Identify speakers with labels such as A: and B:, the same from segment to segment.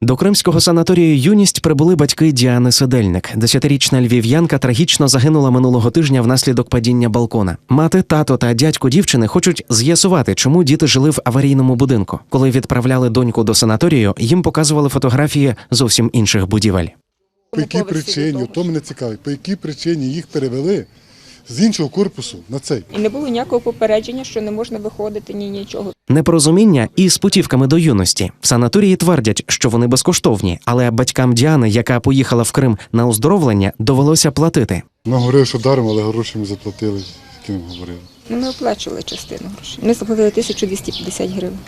A: До кримського санаторію «Юність» прибули батьки Діани Седельник. 10-річна львів'янка трагічно загинула минулого тижня внаслідок падіння балкона. Мати, тато та дядько дівчини хочуть з'ясувати, чому діти жили в аварійному будинку. Коли відправляли доньку до санаторію, їм показували фотографії зовсім інших будівель.
B: По якій причині, то мене цікавить, по якій причині їх перевели з іншого корпусу на цей?
C: І не було ніякого попередження, що не можна виходити, нічого.
A: Непорозуміння і з путівками до юності. В санаторії твердять, що вони безкоштовні, але батькам Діани, яка поїхала в Крим на оздоровлення, довелося платити.
B: Нам говорили, що даром, але гроші ми заплатили, які нам говорили.
C: Ми оплачували частину грошей. Ми заплатили 1250 гривень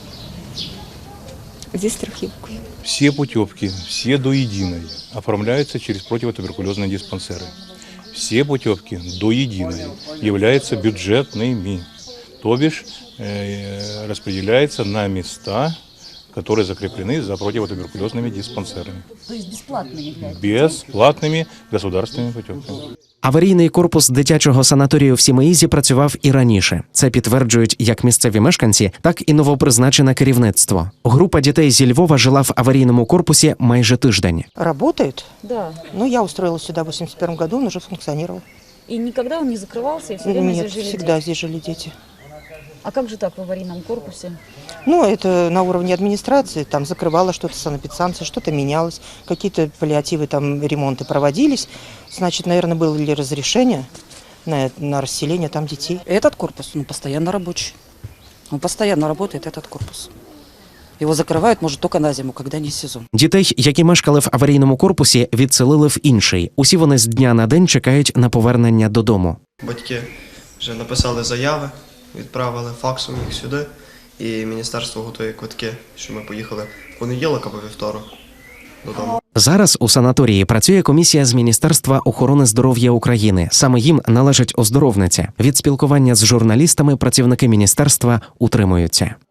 C: зі страхівкою.
D: Все путевки, все до единой, оформляются через противотуберкулезные диспансеры. Все путевки до единой являются бюджетными, то бишь распределяются на места, которые закреплены за противотуберкулезными диспансерами.
E: То есть бесплатными являются?
D: Бесплатными государственными путевками.
A: Аварійний корпус дитячого санаторію в Сімеїзі працював і раніше. Це підтверджують як місцеві мешканці, так і новопризначене керівництво. Група дітей зі Львова жила в аварійному корпусі майже тиждень.
F: Работает?
E: Да.
F: Ну, я устроилась сюда в 81 году, он уже функционировал.
E: И никогда он не закрывался, и все время
F: Нет,
E: здесь жили
F: всегда
E: дети?
F: здесь жили дети.
E: А как же так в аварийном корпусе?
F: Ну, это на уровне администрации, там закрывало что-то санэпидстанция, что-то менялось, какие-то паллиативы, там ремонты проводились. Значит, наверное, было ли разрешение на расселение там детей.
G: Этот корпус, постоянно рабочий. Он постоянно работает, этот корпус. Его закрывают, может, только на зиму, когда не сезон.
A: Дітей, які мешкали в аварійному корпусі, відселили в інший. Усі вони з дня на день чекають на повернення додому.
H: Батьки вже написали заяви, відправили факсом їх сюди, і міністерство готує квитки, що ми поїхали в понеділок або вівторок додому.
A: Зараз у санаторії працює комісія з Міністерства охорони здоров'я України. Саме їм належить оздоровниця. Від спілкування з журналістами працівники міністерства утримуються.